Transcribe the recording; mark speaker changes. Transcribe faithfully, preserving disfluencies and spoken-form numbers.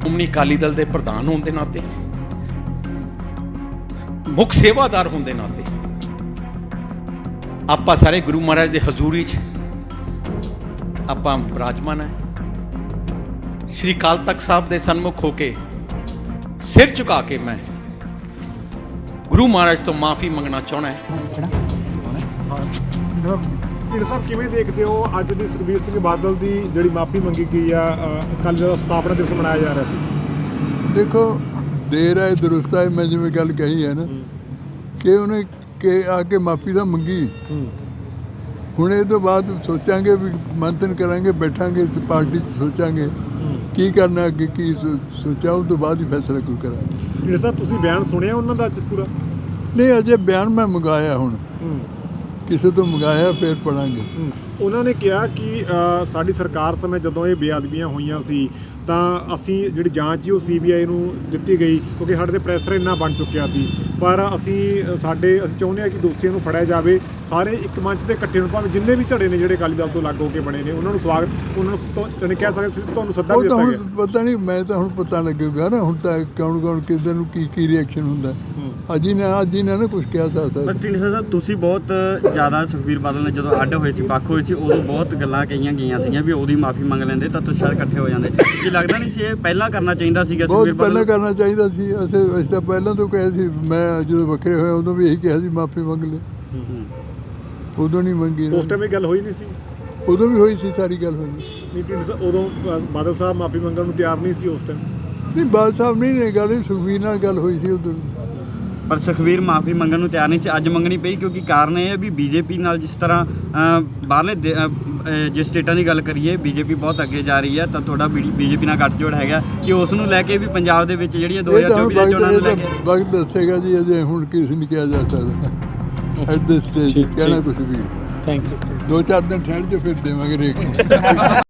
Speaker 1: ਸ਼੍ਰੋਮਣੀ ਅਕਾਲੀ ਦਲ ਦੇ ਪ੍ਰਧਾਨ ਹੋਣ ਦੇ ਨਾਤੇ, ਮੁੱਖ ਸੇਵਾਦਾਰ ਹੋਣ ਦੇ ਨਾਤੇ ਆਪਾਂ ਸਾਰੇ ਗੁਰੂ ਮਹਾਰਾਜ ਦੇ ਹਜ਼ੂਰੀ 'ਚ ਆਪਾਂ ਬਿਰਾਜਮਾਨ ਹੈ। ਸ਼੍ਰੀ ਅਕਾਲ ਤਖਤ ਸਾਹਿਬ ਦੇ ਸਨਮੁਖ ਹੋ ਕੇ ਸਿਰ ਝੁਕਾ ਕੇ ਮੈਂ ਗੁਰੂ ਮਹਾਰਾਜ ਤੋਂ ਮਾਫੀ ਮੰਗਣਾ ਚਾਹੁੰਦਾ ਹੈ।
Speaker 2: ਢੀਂਡਸਾ ਸਾਹਿਬ ਕਿਵੇਂ ਦੇਖਦੇ ਹੋ ਅੱਜ ਦੀ ਸੁਖਬੀਰ ਸਿੰਘ ਬਾਦਲ ਦੀ ਜਿਹੜੀ ਮਾਫੀ ਮੰਗੀ ਗਈ ਆ? ਕੱਲ੍ਹ ਜਦੋਂ ਸਥਾਪਨਾ ਦਿਵਸ ਮਨਾਇਆ ਜਾ ਰਿਹਾ ਸੀ।
Speaker 3: ਦੇਖੋ ਦੇਰ ਹੈ ਦਰੁਸਤ ਹੈ, ਮੈਂ ਜਿਵੇਂ ਗੱਲ ਕਹੀ ਹੈ ਨਾ ਕਿ ਉਹਨੇ ਕਿ ਆ ਕੇ ਮਾਫੀ ਤਾਂ ਮੰਗੀ। ਹੁਣ ਇਹ ਤੋਂ ਬਾਅਦ ਸੋਚਾਂਗੇ ਵੀ ਮੰਥਨ ਕਰਾਂਗੇ, ਬੈਠਾਂਗੇ ਇਸ ਪਾਰਟੀ 'ਚ ਸੋਚਾਂਗੇ ਕੀ ਕਰਨਾ ਅੱਗੇ, ਕੀ ਸੋ- ਸੋਚਿਆ ਉਸ ਤੋਂ ਬਾਅਦ ਹੀ ਫੈਸਲਾ ਕੋਈ ਕਰਾਂਗੇ।
Speaker 2: ਢੀਂਡਸਾ ਸਾਹਿਬ ਤੁਸੀਂ ਬਿਆਨ ਸੁਣਿਆ ਉਹਨਾਂ ਦਾ ਅੱਜ ਪੂਰਾ?
Speaker 3: ਨਹੀਂ ਅਜੇ ਬਿਆਨ ਮੈਂ ਮੰਗਾਇਆ, ਹੁਣ ਕਿਸੇ ਤੋਂ ਮੰਗਾਇਆ ਫਿਰ ਪੜਾਂਗੇ।
Speaker 2: ਉਹਨਾਂ ਨੇ ਕਿਹਾ ਕਿ ਅ, ਸਾਡੀ ਸਰਕਾਰ ਸਮੇਂ ਜਦੋਂ ਇਹ ਬੇਅਦਬੀਆਂ ਹੋਈਆਂ ਸੀ ਤਾਂ ਅਸੀਂ ਜਿਹੜੀ ਜਾਂਚ ਸੀ ਉਹ ਸੀ ਬੀ ਆਈ ਨੂੰ ਦਿੱਤੀ ਗਈ ਕਿਉਂਕਿ ਸਾਡੇ ਤੇ ਪ੍ਰੈਸ਼ਰ ਇੰਨਾ ਬਣ ਚੁੱਕਿਆ ਸੀ, ਪਰ ਅਸੀਂ ਸਾਡੇ ਅਸੀਂ ਚਾਹੁੰਦੇ ਹਾਂ ਕਿ ਦੋਸ਼ੀਆਂ ਨੂੰ ਫੜਿਆ ਜਾਵੇ। ਸਾਰੇ ਇੱਕ ਮੰਚ ਤੇ ਇਕੱਠੇ ਹੋਣ, ਭਾਵੇਂ ਜਿੰਨੇ ਵੀ ਧੜੇ ਨੇ ਜਿਹੜੇ ਅਕਾਲੀ ਦਲ ਤੋਂ ਅਲੱਗ ਹੋ ਕੇ ਬਣੇ ਨੇ, ਉਹਨਾਂ ਨੂੰ ਸਵਾਗਤ, ਉਹਨਾਂ ਨੂੰ ਤੁਹਾਨੂੰ ਕਹਿ ਸਕਦੇ ਤੁਹਾਨੂੰ ਸੱਦਾ
Speaker 3: ਉਹ
Speaker 2: ਵੀ
Speaker 3: ਤਾਂ
Speaker 2: ਦਿੱਤਾ
Speaker 3: ਹੁਣ
Speaker 2: ਗਿਆ।
Speaker 3: ਪਤਾ ਨਹੀਂ, ਮੈਂ ਤਾਂ ਹੁਣ ਪਤਾ ਲੱਗੂਗਾ ਨਾ ਹੁਣ ਤਾਂ ਕੌਣ ਕੌਣ ਕਿੱਧਰ ਨੂੰ ਕੀ ਕੀ ਰਿਐਕਸ਼ਨ ਹੁੰਦਾ। ਅੱਜ ਹੀ ਨਾ ਅੱਜ ਹੀ ਨਾ ਨਾ ਕੁਝ ਕਿਹਾ ਜਾ ਸਕਦਾ।
Speaker 4: ਪਰ ਢੀਂਡਸਾ ਸਾਹਿਬ ਤੁਸੀਂ ਬਹੁਤ ਜ਼ਿਆਦਾ ਸੁਖਬੀਰ ਬਾਦਲ ਨੇ ਜਦੋਂ ਅੱਡ ਹੋਏ ਸੀ, ਵੱਖ ਹੋਏ ਸੀ, ਉਦੋਂ ਬਹੁਤ ਗੱਲਾਂ ਕਹੀਆਂ ਗਈਆਂ ਸੀਗੀਆਂ ਵੀ ਉਹਦੀ ਮਾਫੀ ਮੰਗ ਲੈਂਦੇ ਤਾਂ ਤੁਸੀਂ ਸ਼ਾਇਦ ਇਕੱਠੇ ਹੋ ਜਾਂਦੇ। ਕੀ ਲੱਗਦਾ ਨਹੀਂ ਸੀ ਇਹ ਪਹਿਲਾਂ ਕਰਨਾ ਚਾਹੀਦਾ ਸੀਗਾ
Speaker 3: ਬਹੁਤ
Speaker 4: ਸੁਖਬੀਰ
Speaker 3: ਪਹਿਲਾਂ
Speaker 4: ਬਾਦਲ?
Speaker 3: ਕਰਨਾ ਚਾਹੀਦਾ ਸੀ। ਅਸੀਂ ਅਸੀਂ ਤਾਂ ਪਹਿਲਾਂ ਤੋਂ ਕਿਹਾ ਸੀ, ਮੈਂ ਜਦੋਂ ਵੱਖਰੇ ਹੋਏ ਉਦੋਂ ਵੀ ਇਹੀ ਕਿਹਾ ਸੀ ਮਾਫੀ ਮੰਗ ਲੈ, ਉਦੋਂ ਨਹੀਂ ਮੰਗੀ।
Speaker 2: ਉਸ ਟਾਈਮ ਇਹ ਗੱਲ ਹੋਈ ਨਹੀਂ ਸੀ?
Speaker 3: ਉਦੋਂ ਵੀ ਹੋਈ ਸੀ, ਸਾਰੀ ਗੱਲ ਹੋਈ।
Speaker 2: ਨਹੀਂ ਢੀਂਡਸਾ ਉਦੋਂ ਅ, ਬਾਦਲ ਸਾਹਿਬ ਮਾਫੀ ਮੰਗਣ ਨੂੰ ਤਿਆਰ ਨਹੀਂ ਸੀ ਉਸ ਟਾਈਮ?
Speaker 3: ਨਹੀਂ ਬਾਲ ਸਾਹਿਬ ਨਹੀਂ ਨੇ ਗੱਲ, ਸੁਖਬੀਰ ਨਾਲ ਗੱਲ ਹੋਈ ਸੀ ਉਦੋਂ।
Speaker 4: ਪਰ ਸੁਖਬੀਰ ਮਾਫੀ ਮੰਗਣ ਨੂੰ ਤਿਆਰ ਨਹੀਂ ਸੀ, ਅੱਜ ਮੰਗਣੀ ਪਈ ਕਿਉਂਕਿ ਕਾਰਨ ਇਹ ਹੈ ਵੀ ਬੀਜੇਪੀ ਨਾਲ ਜਿਸ ਤਰ੍ਹਾਂ ਅ, ਬਾਹਰਲੇ ਦੇ- ਅ, ਅ, ਜੇ ਸਟੇਟਾਂ ਦੀ ਗੱਲ ਕਰੀਏ ਬੀਜੇਪੀ ਬਹੁਤ ਅੱਗੇ ਜਾ ਰਹੀ ਹੈ, ਤਾਂ ਤੁਹਾਡਾ ਬੀਜੇਪੀ ਨਾਲ ਗੱਠਜੋੜ ਹੈਗਾ ਕਿ ਉਸ ਨੂੰ ਲੈ ਕੇ ਵੀ ਪੰਜਾਬ ਦੇ ਵਿੱਚ ਜਿਹੜੀਆਂ ਦੋ
Speaker 3: ਇਹ
Speaker 4: ਹਜ਼ਾਰ
Speaker 3: ਤਾਂ ਹੁਣ
Speaker 4: ਚੌਵੀ ਦੀਆਂ ਚੋਣਾਂ ਨੂੰ ਲੈ ਕੇ
Speaker 3: ਵਕਤ ਵਕਤ ਦੱਸੇਗਾ ਜੀ, ਅਜੇ ਹੁਣ ਕਿਸ ਨਹੀਂ ਕਿਹਾ ਜਾ ਸਕਦਾ ਐਟ ਦਿਸ ਸਟੇਜ ਕਹਿਣਾ ਕੁਝ ਵੀ।
Speaker 2: Thank you.
Speaker 3: ਦੋ ਚਾਰ ਦਿਨ ਠਹਿਰ ਜੋ ਫਿਰ ਦੇਵਾਂਗੇ ਰੇਖ।